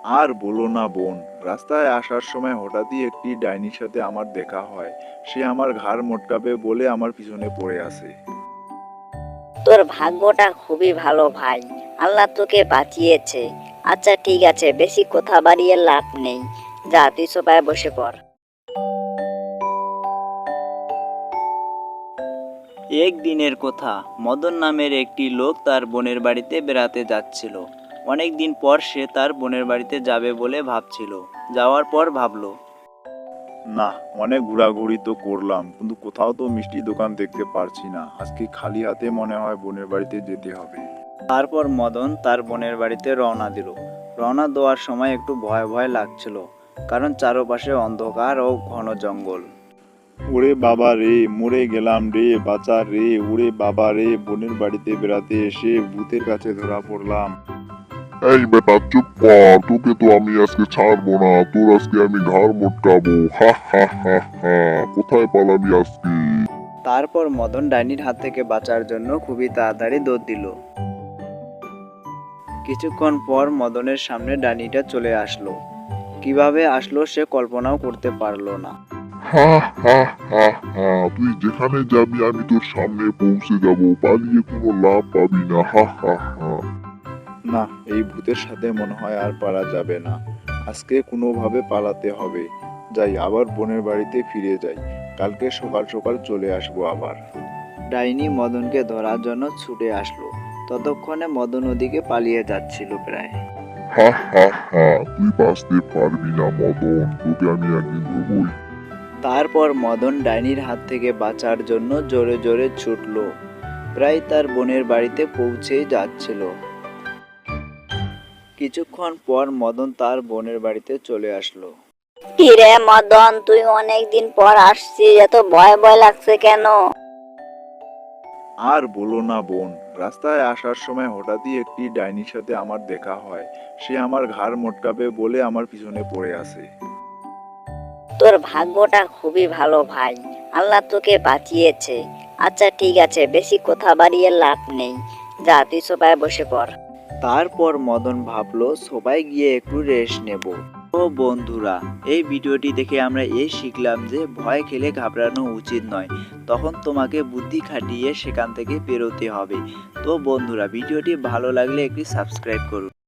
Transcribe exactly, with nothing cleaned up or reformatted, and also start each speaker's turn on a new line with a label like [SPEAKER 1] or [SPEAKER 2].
[SPEAKER 1] আর বলো না বোন, রাস্তায় আসার সময় হঠাৎই একটি ডাইনির সাথে আমার দেখা হয়। সে আমার ঘাড় মটকাবে বলে আমার পিছনে পড়ে আছে।
[SPEAKER 2] তোর ভাগ্যটা খুবই ভালো ভাই, আল্লাহ তোকে বাঁচিয়েছে। আচ্ছা ঠিক আছে, বেশি কথা বাড়িয়ে লাভ নেই, যা তুই সোফায় বসে পড়।
[SPEAKER 3] একদিনের কথা, মদন নামের একটি লোক তার বোনের বাড়িতে বেড়াতে যাচ্ছিল। অনেক দিন পর সে তার বোনের বাড়িতে যাবে বলে ভাবছিল। যাওয়ার পর ভাবলো,
[SPEAKER 1] না, অনেক ঘোরাঘুরি তো করলাম, কিন্তু কোথাও তো মিষ্টি দোকান দেখতে পারছি না। আজকে খালি হাতে মনে হয় বোনের বাড়িতে যেতে হবে।
[SPEAKER 3] তারপর মদন তার বোনের বাড়িতে রওনা দিল। রওনা দেওয়ার সময় একটু ভয় ভয় লাগছিল, কারণ চারপাশে অন্ধকার ও ঘন জঙ্গল।
[SPEAKER 1] ওরে বাবা রে, মরে গেলাম রে, বাঁচা রে, ওরে বাবা রে, বোনের বাড়িতে বেড়াতে এসে ভূতের কাছে ধরা পড়লাম।
[SPEAKER 4] এই বেটা চুপ কর, তোকে তো আমি আজকে ছাড়বো না, তোর আজকে আমি ঘাড় মটকাবো। হা হা হা হা, কোথায় পালাবি আজকে?
[SPEAKER 3] তারপর মদন ডাইনির হাত থেকে বাঁচার জন্য খুবই তাড়াতাড়ি দৌড় দিল। কিছুক্ষণ পর মদনের সামনে ডাইনিটা চলে আসলো। কিভাবে আসলো সে কল্পনাও করতে পারলো না।
[SPEAKER 4] হা হা হা হা, তুই যেখানে যাবি আমি তোর সামনে পৌঁছে যাব, পালিয়ে কোনো লাভ পাবি না। হা হা হা।
[SPEAKER 1] না, এই ভূতের সাথে মনে হয় আর পারা যাবে না। আজকে কোনোভাবে পালাতে হবে। যাই, আবার বোনের বাড়িতে ফিরে যাই। কালকে সকাল সকাল চলে আসবো আবার।
[SPEAKER 3] ডাইনি মদনকে ধরার জন্য ছুটে আসলো। ততক্ষণে মদন ওদিকে পালিয়ে যাচ্ছিল প্রায়।
[SPEAKER 4] হা হা হা, তুই বাঁচতে পারবি না মদন, তোকে আমি একদিন ধরবই।
[SPEAKER 3] তারপর মদন ডাইনির হাত থেকে বাঁচার জন্য জোরে জোরে ছুটলো। প্রায় তার বোনের বাড়িতে পৌঁছেই যাচ্ছিল। কিছুক্ষণ পর মদন তার বোনের বাড়িতে চলে আসলো।
[SPEAKER 2] কি রে মদন, তুই অনেক দিন পর আসছিস, এত ভয় ভয় লাগছে কেন?
[SPEAKER 1] আর বলো না বোন, রাস্তায় আসার সময় হঠাৎই একটি ডাইনির সাথে আমার দেখা হয়। সে আমার ঘাড় মটকাবে বলে আমার পিছনে পড়ে আছে।
[SPEAKER 2] তোর ভাগ্যটা খুবই ভালো ভাই, আল্লাহ তোকে বাঁচিয়েছে। আচ্ছা ঠিক আছে, বেশি কথা বাড়িয়ে লাভ নেই, যা তুই সোফায় বসে পড়।
[SPEAKER 3] তারপর মদন ভাবলো সবাই গিয়ে একটু রেস্ট নেব। তো বন্ধুরা, এই ভিডিওটি দেখে আমরা এই শিখলাম যে ভয় খেলে ঘাবড়ানো উচিত নয়, তখন তোমাকে বুদ্ধি খাটিয়ে সেখান থেকে বেরোতে হবে। তো বন্ধুরা, ভিডিওটি ভালো লাগলে একটি সাবস্ক্রাইব করুন।